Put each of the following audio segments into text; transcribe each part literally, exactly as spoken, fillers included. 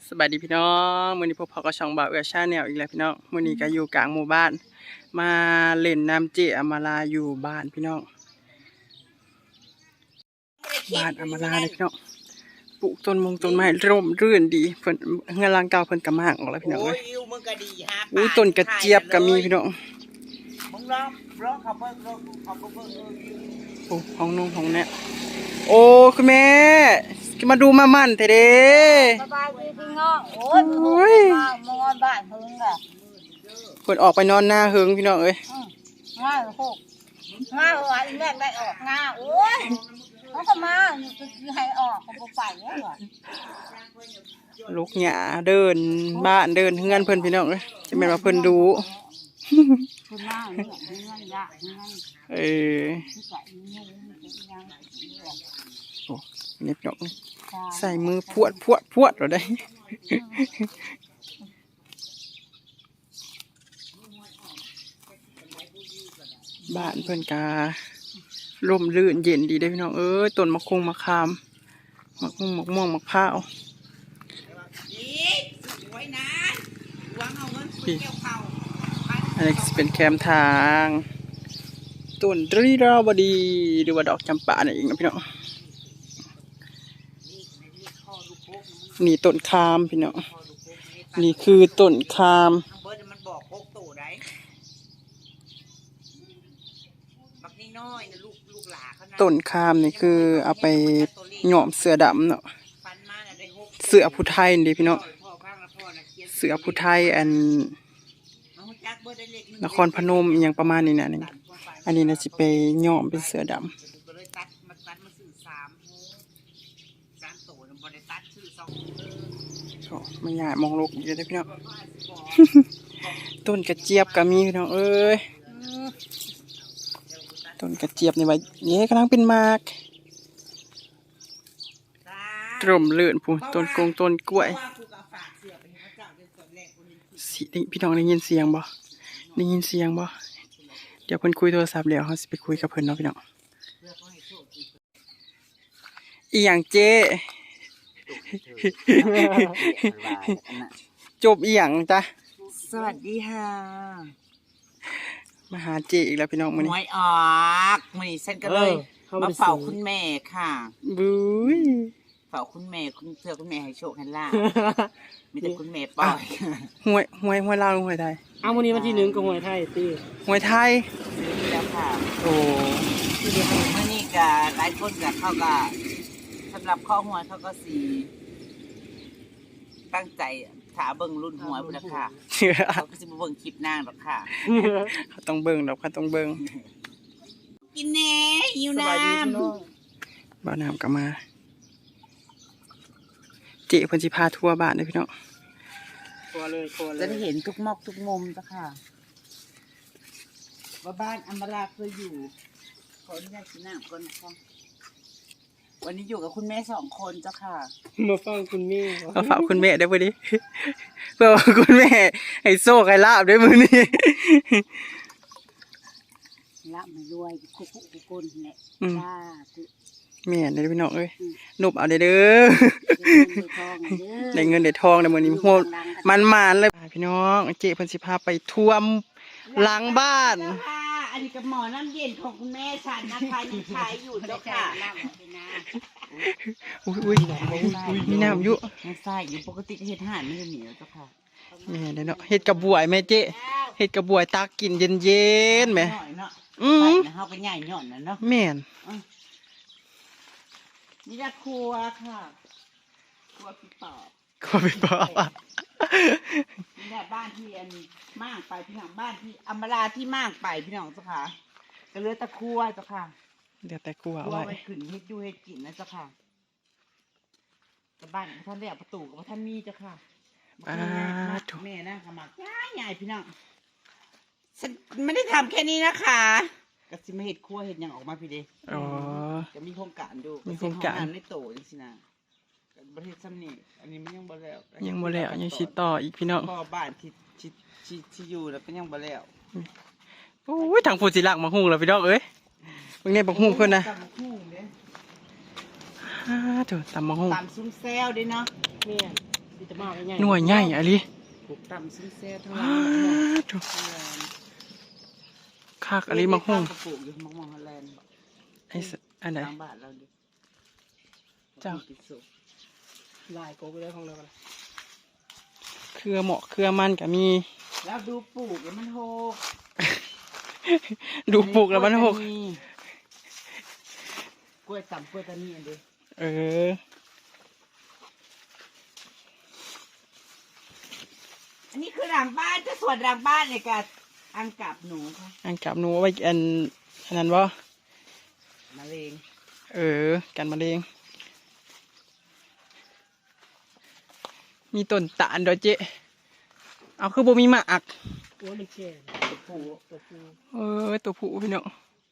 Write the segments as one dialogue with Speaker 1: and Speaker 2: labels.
Speaker 1: สบายดีพี่น้องมื้อนี้พวกพ่อก็ช่องบ่าวเอือชาแนลอีกแล้วพี่น้องมื้อนี้ก็อยู่กลางหมู่บ้านมาเล่นน้ำเจอมาลาอยู่บ้านพี่น้องบ้านอมาลาเลยพี่น้องปลูกต้นมงต้นไม้ร่มรื่นดีเพิ่นเฮือนหลังเก่าเพิ่นก็มากออกแล้วพี่น้องเอ้ยอู้ต้นกระเจี๊ยบก็มีพี่น้อง
Speaker 2: มึงร้องร้องเขาเบิ่งร้องเขาเบิ่งเออ
Speaker 1: โอ้ห้องนุ่งห้องแน่โอ้คุณแม่มาดูมามั่นเถอะเด้
Speaker 2: สบายดีพี่น้องโอ้ยมางอนบ้านเพิ่งอ่ะ
Speaker 1: เพิ่นออกไปนอนหน้าเฮิงพี่น้องเอ้ย
Speaker 2: ง่ายโคกง่ายว่าอีแม่ได้ออกง่าโอ้ยเขาก็มาอยู่ให้ออกเขาบ่ไปเนี่ยเหรอ
Speaker 1: ลูกหญ้าเดินบ้านเดินเฮือนเพิ่นพี่น้องเอ้ยจะแม่นว่าเพิ่นดู
Speaker 2: เพิ่นมาเนี่ยเฮือนยะเฮือน
Speaker 1: เออโอ้นี่พี่น้องใส่มือพวดพวดพวดเราได้บ้านเพิ่นการ่มรื่นเย็นดีได้พี่น้องเอ้ยต้นมะคงมะขามมะม่วงมะม่วงมะพร้าวอันนี้เป็นแคมทางต้นรีราวดีหรือว่าดอกจำปาเนี่ยเองนะพี่น้องนี่ต้นคามพี่น้องนี่คือต้นคามต้นคามนี่คือเอาไปหย่อมเสือดำเนาะเสือผู้ไทยนี่พี่น้องเสือผู้ไทยอันนครพนมอย่างประมาณนี้นะนี่อันนี้นะจะไปหย่อมเป็นเสือดำไม่ยากมองโลกเยอะเลยพี่น้องต้นกระเจี๊ยบก็มีพี่น้องเอ้ยต้นกระเจี๊ยบนี่ไว้เนี่ยกำลังเป็นมากตรมเลื่อนผู้ต้นกงต้นกล้วยสิพี่น้องได้ยินเสียงบ่ได้ยินเสียงบ่เดี๋ยวเพิ่นคุยโทรศัพท์แล้วเขาสิไปคุยกับเพิ่นเนาะพี่น้องอีหยังเจ๊จบอีหยังจ้ะ
Speaker 2: สวัสดีค่ะ
Speaker 1: มาหาเจอีกแล้วพี่น้องมื้อนี้
Speaker 2: หวยออกมื้อนี้ฉันก็เลยมาเฝ้าคุณแม่ค่ะ
Speaker 1: บุ้ย
Speaker 2: เฝ้าคุณแม่คุณเพื่อคุณแม่ให้โชคให้ลาภมีแต่คุณแม่ปล่อย
Speaker 1: หวยหวยหวยลาวหวยไทย
Speaker 3: เอามื้อนี้วันที่หนึ่งก็หวยไทยติ
Speaker 1: หวยไทย
Speaker 2: แล้วค่ะ
Speaker 1: โอ้
Speaker 2: มื้อนี้ก็หลายคนก็เขาก็สำหรับข้อหวยเขาก็สิตั้งใจถาเบิ่งรุ่นหวยพุ่นล่ะค่ะเขาก็สิบ่เบิ่งคลิปนางดอกค่ะ
Speaker 1: เขาต้องเบิ่งดอกเขาต้องเบิ่ง
Speaker 2: กินแหน่หิวน้ำ
Speaker 1: บ่าวน้ำก็มาเจเพิ่นสิพาทัวร์บ้านเด้อพี่น้อง
Speaker 3: ทัวร์เลยทัวร์เลย
Speaker 2: จะได้เห็นทุกมอกทุกมุมจ้ะค่ะว่าบ้านอมราเคยอยู่ขออนุญาตกินน้ำก่อนนะคะวันนี้อยู่กับคุณแม่สองคนเจ้าค่ะ
Speaker 3: มาฟังคุณแม่
Speaker 1: มาฝากคุณแม่ได้บ่ดิเพื่อคุณแม่ให้โชคให้ลาภได้มื้อนี้
Speaker 2: ละมารวยคุกคุกคนแหละจ้า
Speaker 1: แม่ได้พี่น้องเอ้ยนบเอาเด้อได้เงินได้ทองได้มื้อนี้โหมันๆเลยพี่น้องเจ๊เพิ่นสิพาไปท่วมหลังบ้าน
Speaker 2: อันนี้กับหมอน้ำเย็นของคุณแม่ฉันนะคะยังใช้อยู่เจ้าค่ะ
Speaker 1: อุ้ยอุ้ยมีน้ำอยู่
Speaker 2: ไม่ใช่อยู่ปกติเห็ดห่านไม่ได้เหนียวเจ้าค่ะ
Speaker 1: แม่ได้เนาะเห็ดกระบวยแม่เจ๊เห็ดกระบวยตากินเย็นๆแม่
Speaker 2: อืมเขาเป็นใหญ่หย่อนนะเนาะ
Speaker 1: แม่น
Speaker 2: นี่จะครัวค่ะครัวพี่ปอบ
Speaker 1: ครัวพี่ปอบ
Speaker 2: นี่แหละบ้านที่อันม่างไปพี่น้องบ้านที่อำมาลาที่ม่างไปพี่น้องเจ้าค่ะก็เหลือแต่ครัวเจ้าค่ะ
Speaker 1: เดี๋ยวแต่ครัว
Speaker 2: เอาไว้ขึ้นเฮ็ดอยู่เฮ็ดกินนะเจ้าค่ะแต่บ้านท่านเรียกประตูกับท่านมีเจ้าค่ะ
Speaker 1: อ่าถูก
Speaker 2: แม่นะขมักใหญ่ๆพี่น้องฉันไม่ได้ทำแค่นี้นะคะก็สิมาเฮ็ดครัวเฮ็ดยังออกมาพี่เด้
Speaker 1: อ๋อ
Speaker 2: จะมีโครงการดู
Speaker 1: มีโครงการ
Speaker 2: ไม่โตจังซี่นะประเทศซ้ำนี่อันนี้มันยังบ่แล้ว
Speaker 1: ยังบ่แล้วยังสิต่ออีกพี่น้อง
Speaker 2: พ่อบ้านที่ที่ที่ที่อยู่แล้วก็ยังบ่แล้ว
Speaker 1: โอ้ยทางผู้สิลักมาฮู้แล้วพี่น้องเอ้ยเบิ่งแน่บักฮู้เพิ่นน่ะ
Speaker 2: ตำบักฮู้เด้
Speaker 1: ฮ่าโธ่ตำบักฮู้
Speaker 2: ตำซุ้มแซวเด้เนาะ
Speaker 3: แม่มีแต่มากง่าย
Speaker 1: หน่วยใหญ่อะลิ
Speaker 2: ปลูกต่ำซิ้นแซ่ทั้งห
Speaker 1: ว้า
Speaker 2: ลัง
Speaker 1: ถูกคักอะลิมักฮุ่ง
Speaker 2: ปลูกอยู่มักมองฮอลแลนด์
Speaker 1: ไอ้สอันไหน
Speaker 2: ทางบ้านเราดิ
Speaker 1: เจ้า
Speaker 2: ติดสุก
Speaker 3: ลายโกไปได้ของเรากัน
Speaker 1: เครือเหมาะเครือมันก็มี
Speaker 2: แล้วดูปลูกแล้วมันโหก
Speaker 1: ดูปลูกแล้วมันหก
Speaker 2: กล้วยต่ำกล้วยตานีอันเดียว
Speaker 1: เออ
Speaker 2: อันนี้คือหลังบ้านจะส่วนหลังบ้านเนี่ยกับอังกับหนูค่ะ
Speaker 1: อันกับหนูเอาไว้อันอันนั้นบ่
Speaker 2: มะเร็ง
Speaker 1: เออ กันมะเร็งมีต้นตาลด้วยเจ๊เอาคือบ่มีหมาก
Speaker 3: โอ้ยมันแก่
Speaker 2: ตัวผู้
Speaker 3: ตัวปู
Speaker 1: เออตัวผู้พี่น้อง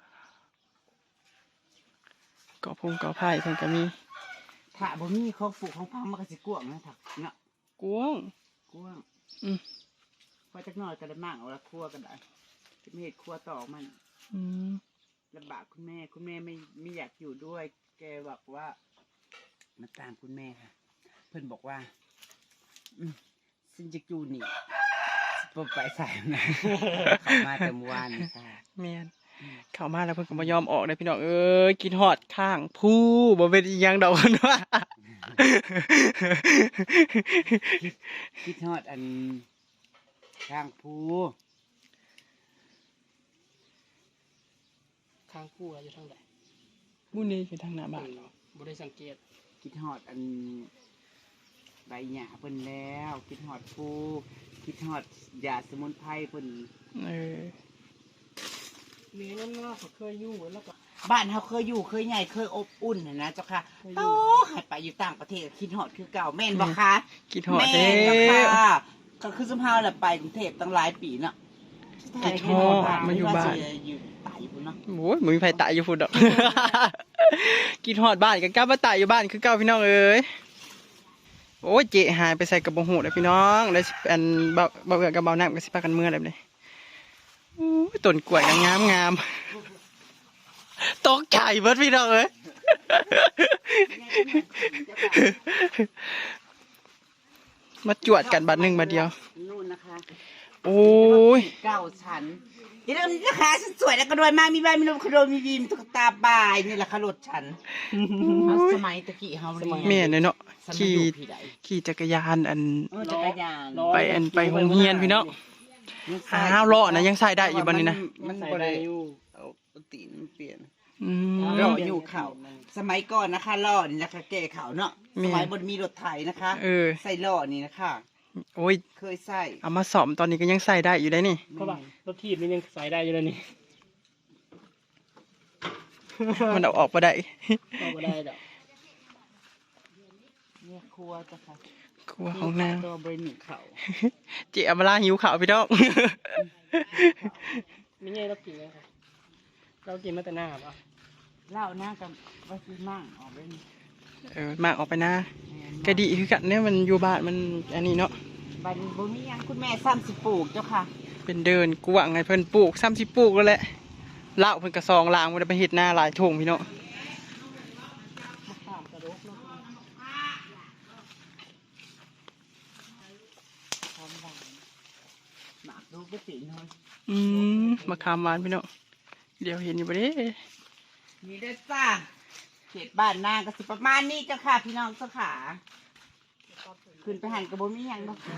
Speaker 1: เกาะพงเกาะไผ่เพิ่นก็มี
Speaker 2: ถ้าบ่มีของปลูกของพังมันก็สิกวางนะถักเนาะ
Speaker 1: กวาง
Speaker 2: กวาง
Speaker 1: อืม
Speaker 2: พอจักหน่อยก็ได้มากเอาละครัวกันได้จะไม่เห็ดครัวต่อมัน
Speaker 1: อืม
Speaker 2: ลำบากคุณแม่คุณแม่ไม่ไม่อยากอยู่ด้วย แกบอกว่ามาตามคุณแม่ค่ะ เพื่อนบอกว่า อืมซึ่งจะอยู่นี่ปไปใส่นะ เขามาแต่เมื่อวานนี่ค่ะ
Speaker 1: แม่นเข้ามาแล้วเพิ่นก็บ่ยอมออกเลยพี่น้องเอ้ยกินฮอดข้างผู้บ่เป็นอีหยังดอกเพิ่นว่า
Speaker 2: คิดทอดอันทางภู
Speaker 3: ข้างคู่อยู่ทางไหน
Speaker 1: มื้อนี้คือทางหน้าบ้าน
Speaker 3: บ่ได้สังเกต
Speaker 2: คิดทอดอันใบหญ้าเพิ่นแล้ว คิดทอดภูคิดทอดยาสมุนไพรเพิ่น
Speaker 1: เออ
Speaker 3: เมียนั่นน่าเขาเคยอยู่แล้วก็
Speaker 2: บ้านเขาเคยอยู่เคยใหญ่เคยอบอุ่นน่ะนะเจ้าค่ะโตให้ไปอยู่ต่างประเทศคิดฮอดคือเก่าแม่นบ่คะ
Speaker 1: กินฮอด
Speaker 2: แม่
Speaker 1: เด้
Speaker 2: นเจ้าค่ะก็คือสมภาวแหละไปกรุงเทพตั้งหลายปีเนาะ
Speaker 1: คิดฮอดมาอยู่บ้าน
Speaker 2: อยู่ตายอยู่พุ่นเนาะ
Speaker 1: โอ้ยบ่มีไผตายอยู่พุ่นดอก กินฮอดบ้านก็กลับมาตายอยู่บ้านคือเก่าพี่น้องเอ้ยโอ้ยเจ๊หายไปใส่กระบอกหูเลยพี่น้องแล้วสิอันเบาเบาเอือกับเบาน้ำก็สิพากันเมื่อเลยเลยโอ้ยต้นกล้วยก็งามงามตกใจเบิดพี่น้องเอ้ย มาจวดกันบัดหนึ่งบัดเดียว
Speaker 2: นู่นนะคะ
Speaker 1: โอ้ย
Speaker 2: เก้าชั้นเดี๋ยวนี้นะคะฉันสวยแล้วก็รวยมากมีบ้านมีรถคอนโดมีวีมตุ๊กตาบายนี่แหละค่ะรถฉันเอาสมัยตะกี้เฮาเรียน
Speaker 1: แม่เนี่ยเนาะ
Speaker 2: ฉันมา
Speaker 1: ขี่
Speaker 2: อยู่พี่ใด
Speaker 1: ขี่จักรยานอัน
Speaker 2: เออจักรยาน
Speaker 1: ไปอันไปโรงเรียนพี่น้อง อ้าวเลาะนะยังใส่ได้อยู่บัดนี้นะ
Speaker 2: มัน
Speaker 3: ใส่
Speaker 2: บ่
Speaker 3: ได้
Speaker 2: ได้
Speaker 3: อยู่
Speaker 2: เอาตีนมันเปลี่ยน
Speaker 1: อืม
Speaker 2: ล่ออยู่เข่าสมัยก่อนนะคะล่อนี่นะคะแก่เข่าเนาะ
Speaker 1: แม่
Speaker 2: สมัยบนมีรถไถนะคะ
Speaker 1: เออ
Speaker 2: ใส่ล่อนี่นะคะ
Speaker 1: โอ้ย
Speaker 2: เคยใส่
Speaker 1: เอามาสอมตอนนี้ก็ยังใส่ได้อยู่ได้นี่
Speaker 3: เพราะว่ารถทีบมันยังใส่ได้อยู่แล้วนี่
Speaker 1: มันเอาออกมาได้
Speaker 3: ก็บ่ได้ดอก
Speaker 2: เนี่ยครัวจ้ะค่ะ
Speaker 1: ครัวของนาง
Speaker 2: ตัวบริหนึ่งเข่า
Speaker 1: เจ๊อำมาลาหิวข้าวพี่น้อง
Speaker 3: ไม่ง่ายเรากินเลยครับเรากินมาแต่หน้าป่ะ
Speaker 2: เล่าหน้ากับว่าซื้อมั่งออกไปนี่
Speaker 1: เออมากออกไปนะ
Speaker 2: แม่น
Speaker 1: กระดีคือกันเนี่ยมันอยู่บ้านมันอันนี้เนาะ
Speaker 2: บันบ่มีหยังคุณแม่ซ้ำสิปลูกเจ้าค่ะ
Speaker 1: เป็นเดินกวางไงเพิ่นปลูกซ้ำสิปลูกแล้วแหละเล่าเพิ่นกระซองลางมันไปเฮ็ดหน้าหลายทงพี่น้อง
Speaker 3: มะขามกระดกเนาะ
Speaker 2: ทำหวานหมากดูกระติน้อย
Speaker 1: อืมมะขามหวานพี่น้องเดี๋ยวเห็นอยู่บ่เด้
Speaker 2: นี่เด้อจ้าเขตบ้านนางก็สิประมาณนี้เจ้าค่ะพี่น้องเจ้าขาขึ้นไปหันกระบ่มีหยังเนาะ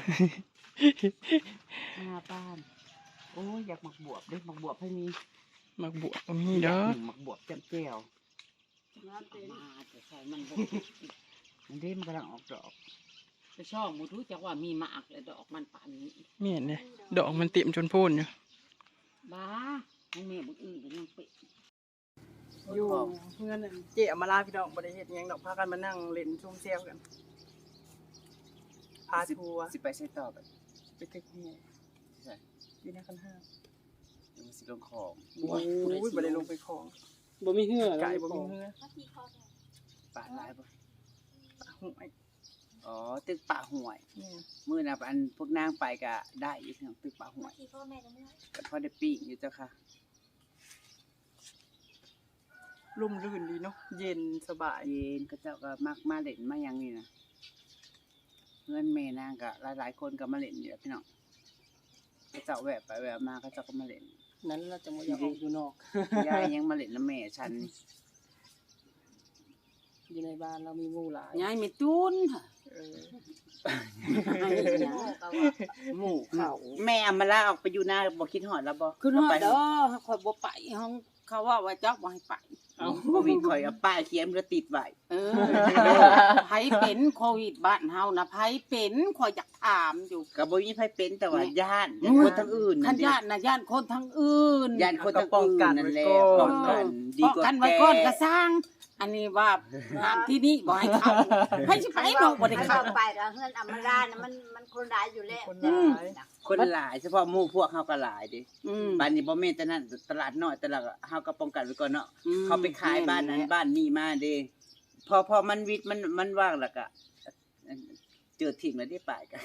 Speaker 2: หน้าบ้าน โอ้ยอยากหมักบวบเด้อหมักบวบให้มี
Speaker 1: มักบวกบ่มีเด้อ
Speaker 2: หนึ่งหมักบวบแจ่มแจ่วมาแต่ใส่มันบ่มันเด้มันกำลังออกดอก
Speaker 4: ไปช่องมูทุจักว่ามีหมากเลยดอกมันป่านนี้
Speaker 1: แม่นเด้ดอกมันเต็มจนโพ่นอยู่
Speaker 4: บ้าให้แม่บุญอื่นก็ยังเปะ
Speaker 1: อยู่เพื่อนนั่นเจ๊อำมาลาพี่น้องบ่ได้เฮ็ดหยังดอกพากันมานั่งเล่นชมแซวกันพาทัวร์
Speaker 2: สิไปใช้ต่อไป
Speaker 1: ไปตึกแห่อยู่ในคันห้า
Speaker 2: ยังสิลงของ
Speaker 1: โอ้ยบ่ได้ลงไปคลอง
Speaker 3: บ่มีเหื่อ
Speaker 1: ไก่บ่มีเหือ
Speaker 2: ป่าหลายบ่
Speaker 1: ห่วย
Speaker 2: อ๋อตึกป่าห่วย
Speaker 1: แม่น
Speaker 2: มื้อน่ะอันพวกนางไปก็ได้อยู่ทางตึกป่าห่วยก็พอได้ปิ้งอยู่เจ้าค่ะ
Speaker 1: ร่มรื่นดีเนาะเย็นสบาย
Speaker 2: เย็นก็เจ้าก็มักมาเล่นมาหยังนี่นะเงินแม่นางก็หลายๆคนก็มาเล่นอยู่แล้วพี่น้องก็เจ้าแวะไปแวะมาก็เจ้าก็มาเล่น
Speaker 3: นั้นเราจะมาอยากออกอยู่นอก
Speaker 2: ยายยังมาเล่นน้ำแม่ฉัน
Speaker 3: อยู่ในบ้านเรามีงูหลาย
Speaker 4: ยายไม่ตุนค่ะ
Speaker 3: เออ
Speaker 4: หมู่เขา
Speaker 2: แม่เอามาลาออกไปอยู่หน้าบ่คิดฮอดแล้วบ่
Speaker 4: ขึ้นฮอด
Speaker 2: ไป
Speaker 4: เด้อข่อยบ่ไปห้องเขาว่าว่าจักบ่ให้ไป
Speaker 2: เอาโควิดข่อยเอาป้ายเขียนแล้วติดไว้
Speaker 4: เออไผเป็นโควิดบ้านเฮานะไผเป็นข่อยอยากถามอยู่
Speaker 2: ก็บ่มีไผเป็นแต่ว่าย่านย่านคนทั้งอื่น
Speaker 4: คันญาตินะญาติคนทั้งอื่น
Speaker 2: ย่านคนทั้งอื่นนั่นแหละป้องกันดี
Speaker 4: ป้อง
Speaker 2: กว่า
Speaker 4: กันไว้ก่อนก็สร้าง อันนี้ว่าหามที่นี่บ่ให้เข้าให้สิไปเนาะบ่ได้
Speaker 5: มัน
Speaker 4: เข้า
Speaker 5: เข้าไปแล้วเฮือนอำมาลานะมันมันคนร้ายอยู่แล้ว
Speaker 3: คนร้าย
Speaker 2: คนหลายเฉพาะหมู่พวกเฮาก็หลายเดิ
Speaker 4: อืม
Speaker 2: บ้านนี้บ่แม่นแต่นั้นตลาดน้อยตลาดเฮาก็ป้องกันไว้ก่อนเนาะ
Speaker 4: อืม
Speaker 2: เขาไปขายบ้านนั้นบ้านนี้มาเด้พอพอมันวิทย์มันมันว่างแล้วก็เจอทิ้งแล้วได้ป่ายกัน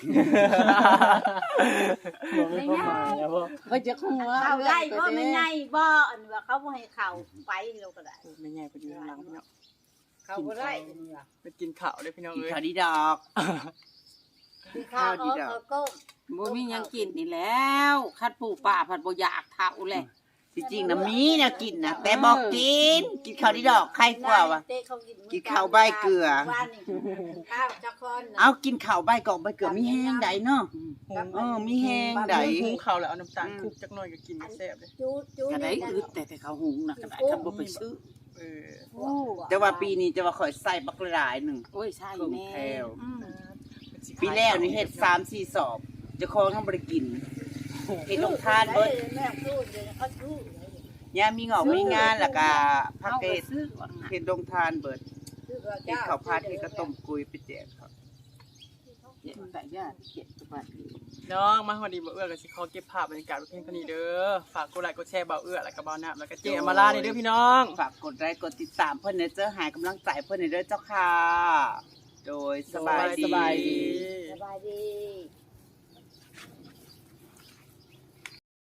Speaker 3: บอกไม่เข้ามาแล้วบ่
Speaker 4: เพิ่นจะคงว่า
Speaker 5: เข้าได้บ่ไม่ไงบ่อันว่าเขาบ่ให้เข้าไปเราก็ได้
Speaker 1: ไม่ใหญ่ไปอยู่ข้างหลังพี่น้อง
Speaker 5: เข้าบ่ได้
Speaker 1: ไปกินข้าวเลยพี่น้อง
Speaker 2: กิน
Speaker 1: เอ้ย
Speaker 2: ข้าวดีดอก
Speaker 5: คือข้าวเขาเขาก็
Speaker 4: บ่มีหยังกินนี่แล้วคัดปู่ป้าผัดบ่อยากเท่าแหละ
Speaker 2: ที่จริงนะมีแนวกินนะแต่บอกกิน กินข้าวดีดอกใครกว่าวะ
Speaker 5: เต้เขากิน
Speaker 2: กินข้าวใบเกลือ
Speaker 5: ว่านี่ข้าวจักคนน่ะ
Speaker 2: เอากินข้าวใบกอกใบเกลือมีแห้งใดเนาะ เออมีแห้งใด
Speaker 1: หุงข้าวแล้วเอาน้ำตาลคลุกจักหน่อยก็กินแซ่บเลย
Speaker 5: จูดจูด
Speaker 4: ก็ได้
Speaker 5: นี่
Speaker 4: อึดแต่แต่เขาหุงนะก็ได้คันบ่ไปซื้อ
Speaker 1: เออ
Speaker 5: โอ้
Speaker 2: แต่ว่าปีนี้จะว่าข่อยใส่บักหลายหนึ่ง
Speaker 4: โอ้ยใช่
Speaker 2: เครื่อง
Speaker 4: แน่
Speaker 2: แพรว
Speaker 4: อืม
Speaker 2: ปีแล้วนี่เฮ็ดสามสี่สอบเจะคองทั้งบริกินเฮ็ดลงทานเบิด
Speaker 5: แม่พูดเลยเขาจูดเลย
Speaker 2: ยามมีงอกมีงานแล้วก็พัก
Speaker 4: เอา
Speaker 2: เก
Speaker 4: ไป
Speaker 2: ต
Speaker 4: ซื้อว่างั้น
Speaker 2: เฮ็ดลงทานเบิด
Speaker 5: คือว่า
Speaker 2: เฮ็ด
Speaker 5: เจ้า
Speaker 2: ข้าวผัดเฮ็ดกระต้มกุยไปแจกเขา
Speaker 4: เจ็บแต่ญาติเจ็บสบายดี
Speaker 1: น้องมาพอดีบ่เอื้อก็สิขอเก็บภาพบรรยากาศไว้เพียงเท่านี้เด้อฝากกดไลค์กดแชร์บ่เอื้อแล้วก็บ่น้ำแล้วก็เจ๊อมาลานี่เด้อพี่น้อง
Speaker 2: ฝากกดไลค์กดติดตามเพิ่นเด้อเจ้าหายกำลังใจเพิ่นเด้อเจ้าค่ะ โดยสบายดี
Speaker 1: สบายดี
Speaker 5: สบายดี